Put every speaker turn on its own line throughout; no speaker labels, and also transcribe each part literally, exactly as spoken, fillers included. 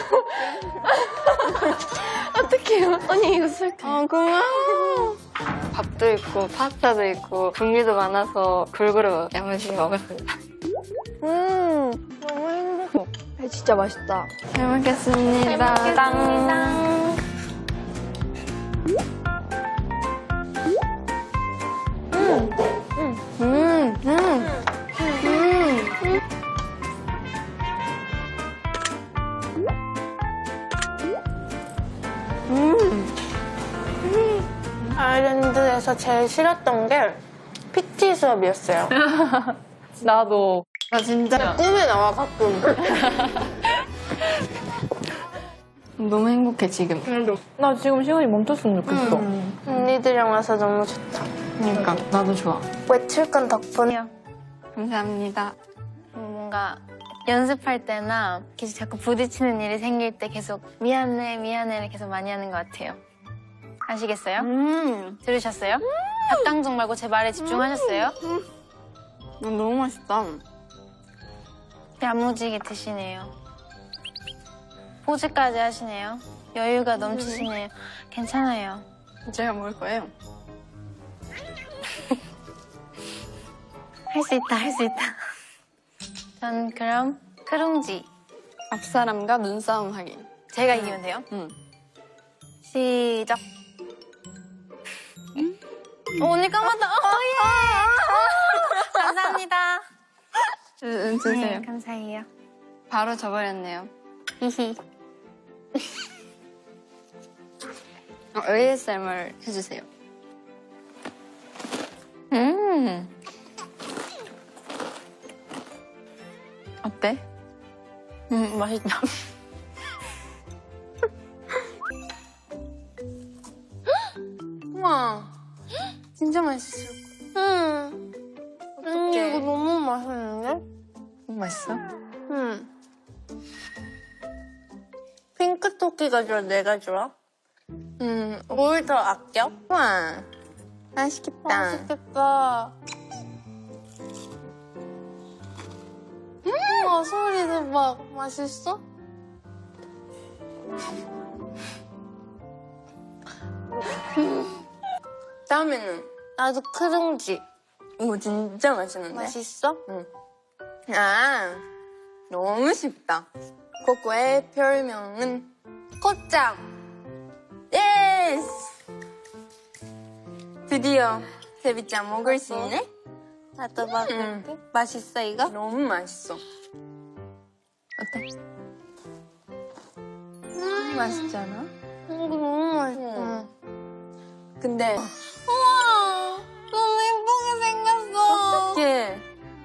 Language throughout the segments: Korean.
어떡해요. 언니 이거 쓸게. 아, 고마워. 밥도 있고 파스타도 있고 종류도 많아서 골고루 야무지게 먹었습니다. 음, 너무 행복해. 진짜 맛있다. 잘 먹겠습니다. 잘 먹겠습니다. 음, 음, 음, 음, 음. 음. 아일랜드에서 제일 싫었던 게 피티 수업이었어요.
나도.
나 진짜 꿈에 나와 가끔. 너무 행복해 지금.
나 지금 시간이 멈췄으면 좋겠어.
음. 언니들이랑 와서 너무 좋다. 그러니까 나도 좋아.
외출 건 덕분이야.
감사합니다.
뭔가 연습할 때나 계속 자꾸 부딪히는 일이 생길 때 계속 미안해 미안해를 계속 많이 하는 것 같아요. 아시겠어요?
음,
들으셨어요? 닭강정 말고 제 말에 집중하셨어요?
너무 맛있다.
야무지게 드시네요. 포즈까지 하시네요. 여유가 넘치시네요. 괜찮아요.
제가 먹을 거예요.
할 수 있다, 할 수 있다. 전 그럼 크룽지.
앞사람과 눈싸움 하기.
제가 이기면 돼요?
응.
시작. 어, 언니 까맣다. 어, 예. 감사합니다.
음, 주세요.
네, 감사해요.
바로 져버렸네요.
히히.
어, 에이에스엠알 해주세요. 음. 어때?
음, 맛있다.
우와. 진짜 맛있을 거야.
음.
언니, 이거
너무 맛있는데?
너무 맛있어?
음. 핑크 토끼가 좋아, 내가 좋아?
음.
뭘 더 아껴?
우와. 맛있겠다.
맛있겠다. 우와, 소리 대박. 맛있어?
다음에는
나도 크룽지.
이거 진짜 맛있는데?
맛있어?
응. 아, 너무 쉽다. 코코의 별명은 꽃장. 예스! 드디어 세비짱 먹을 수 있네?
나도 먹을게.
응.
맛있어, 이거?
너무 맛있어. 어때?
음,
맛있지 않아?
이거 너무 맛있어.
응. 근데
우와, 너무 예쁘게 생겼어.
어떡해.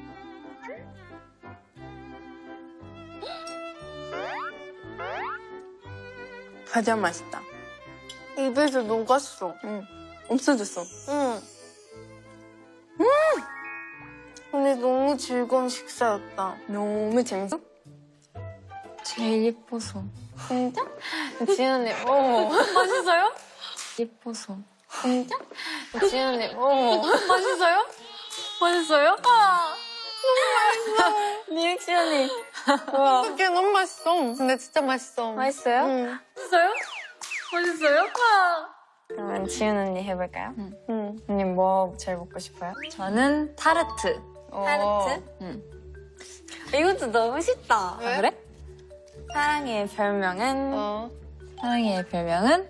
가장 맛있다.
입에서 녹았어.
응. 없어졌어.
응. 음! 근데 너무 즐거운 식사였다.
너무 재밌어? 제일 예뻐서.
진짜?
지은 언니, 어.
맛있어요?
예뻐서.
진짜?
지은 언니, 어.
맛있어요? 맛있어요? 아,
리액션이. 와.
이게 너무 맛있어. 근데 진짜 맛있어.
맛있어요?
응. 맛있어요? 맛있어요? 아.
그러면 지은 언니 해볼까요?
응.
응.
언니 뭐 제일 먹고 싶어요? 저는 타르트.
타르트?
응. 이것도 너무 쉽다.
왜?
아, 그래? 사랑이의 별명은
어.
사랑이의 별명은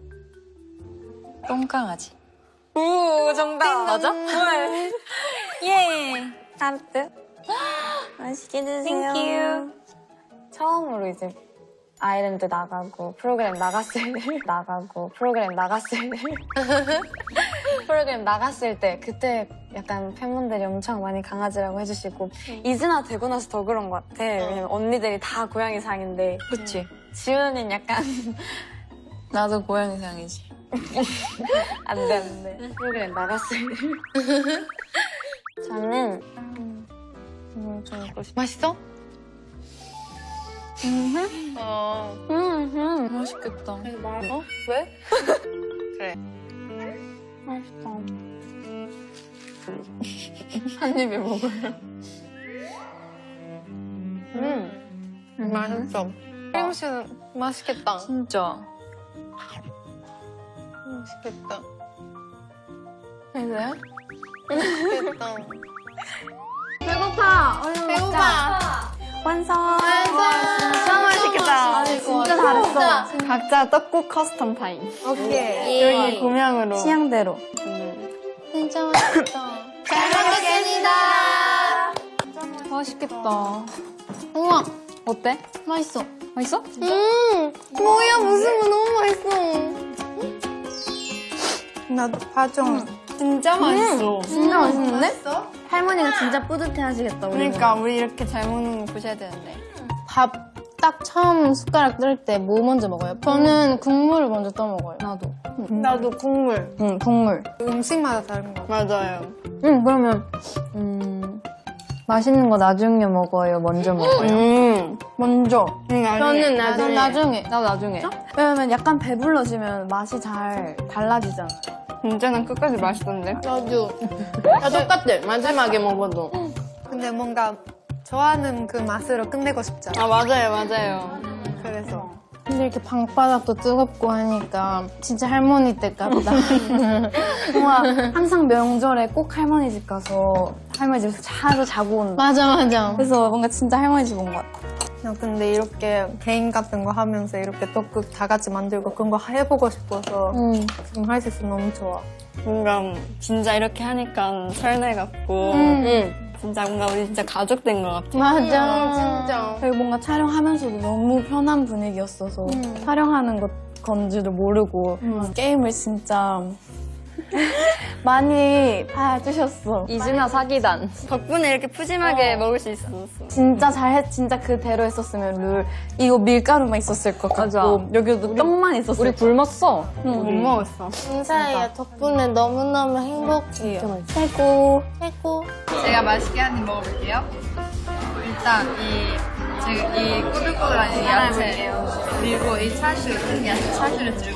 똥강아지.
오, 정답.
맞아? 예. 타르트. 맛있게 드세요.
땡큐.
처음으로 이제 아일랜드 나가고 프로그램 나갔을 때 나가고 프로그램 나갔을 때 프로그램 나갔을 때 그때 약간 팬분들이 엄청 많이 강아지라고 해주시고 이즈나 되고 나서 더 그런 것 같아. 왜냐면 언니들이 다 고양이 상인데
그치.
지은이는 약간
나도 고양이 상이지.
안돼 안돼 프로그램 나갔을 때 저는 음, 좀 먹고 싶어.
맛있어?
음,
어.
음,
맛있겠다.
어? 왜? 그래.
맛있다.
한 입에 먹어요.
음.
맛있어. 크림치즈 맛있겠다.
진짜.
맛있겠다.
그래요?
맛있겠다.
배고파. 얼른
배고파.
완성.
진짜 맛있겠다.
진짜 잘했어.
각자 떡국 커스텀 타임.
오케이.
여기 고명으로.
취향대로.
진짜 맛있다.
잘 먹겠습니다.
맛있겠다.
우와,
어때?
맛있어.
맛있어?
음, 뭐야, 무슨 거 너무 맛있어. 나도 봐줘.
진짜 맛있어.
진짜 맛있는데?
맛있어?
할머니가 진짜 뿌듯해 하시겠다. 우리
그러니까 우리 이렇게 잘 먹는 거 보셔야 되는데.
밥 딱 처음 숟가락 뜰 때 뭐 먼저 먹어요? 저는 국물을 먼저 떠먹어요.
나도.
나도 국물.
응, 국물.
음식마다 다른 거.
맞아요.
응, 그러면 음 맛있는 거 나중에 먹어요. 먼저 먹어요.
음.
먼저.
저는 나중에.
나중에.
나도 나중에.
왜냐면 약간 배불러지면 맛이 잘 달라지잖아.
진짜 난 끝까지 맛있던데.
나도. 다 똑같아. 마지막에 먹어도. 근데 뭔가 좋아하는 그 맛으로 끝내고 싶잖아.
아, 맞아요, 맞아요.
그래서.
근데 이렇게 방바닥도 뜨겁고 하니까 진짜 할머니 댁 같다.
정말 항상 명절에 꼭 할머니 집 가서 할머니 집에서 하루 자고 온다.
맞아, 맞아.
그래서 뭔가 진짜 할머니 집 온 것 같아.
나 근데 이렇게 게임 같은 거 하면서 이렇게 떡국 다 같이 만들고 그런 거 해보고 싶어서
응.
지금 할 수 있어 너무 좋아.
뭔가 진짜 이렇게 하니까 설레 같고.
응.
진짜 뭔가 우리 진짜 가족 된 것 같아.
맞아.
진짜.
그리고 뭔가 촬영하면서도 너무 편한 분위기였어서 촬영하는 것 건지도 모르고 게임을 진짜 많이 봐주셨어.
이준아 사기단. 덕분에 이렇게 푸짐하게 먹을 수 있었어.
진짜 잘했, 진짜 그대로 했었으면 룰 이거 밀가루만 있었을 것 같고
맞아.
여기도 떡만 있었을
우리
것
굶었어.
응.
못 먹었어.
인사해요. 덕분에 너무너무 행복해요.
같고. 최고.
최고.
제가 맛있게 한 입 먹어볼게요. 일단 이 지금 이 꼬들꼬들한 이 야채 그리고 이 차슈 큰 야채 차슈를 들고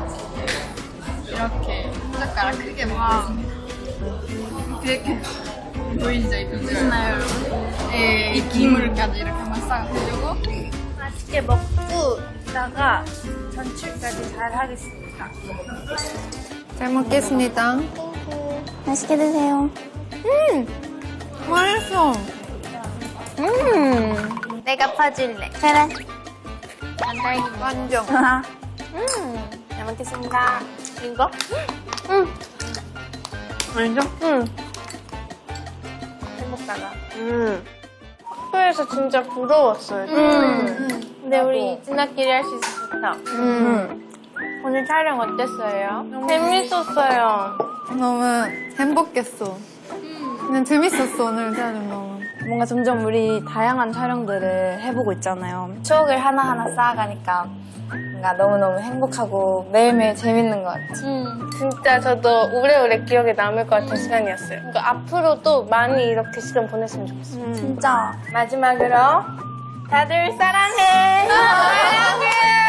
이렇게 숟가락 크게 먹겠습니다. 이렇게 보이시죠 이 비주얼? 여러분? 예, 이 기물까지 이렇게 한번 싹 해주고
맛있게 먹고 있다가 전출까지 잘 하겠습니다.
잘 먹겠습니다.
맛있게 드세요.
맛있어.
내가 파줄래.
그래.
완전.
잘 먹겠습니다. 이거?
완전? 응.
행복하다.
음. 학교에서 진짜 부러웠어요.
음. 근데 우리 이진아끼리 할 수 있어서 좋다.
음.
오늘 촬영 어땠어요?
재밌었어요. 너무 행복했어. 그냥 재밌었어, 오늘 촬영 너무.
뭔가 점점 우리 다양한 촬영들을 해보고 있잖아요. 추억을 하나하나 쌓아가니까 뭔가 너무너무 행복하고 매일매일 재밌는 것 같아요.
진짜 저도 오래오래 기억에 남을 것 같은 시간이었어요. 그러니까 앞으로도 많이 이렇게 시간 보냈으면 좋겠어요.
진짜.
마지막으로 다들 사랑해. 사랑해.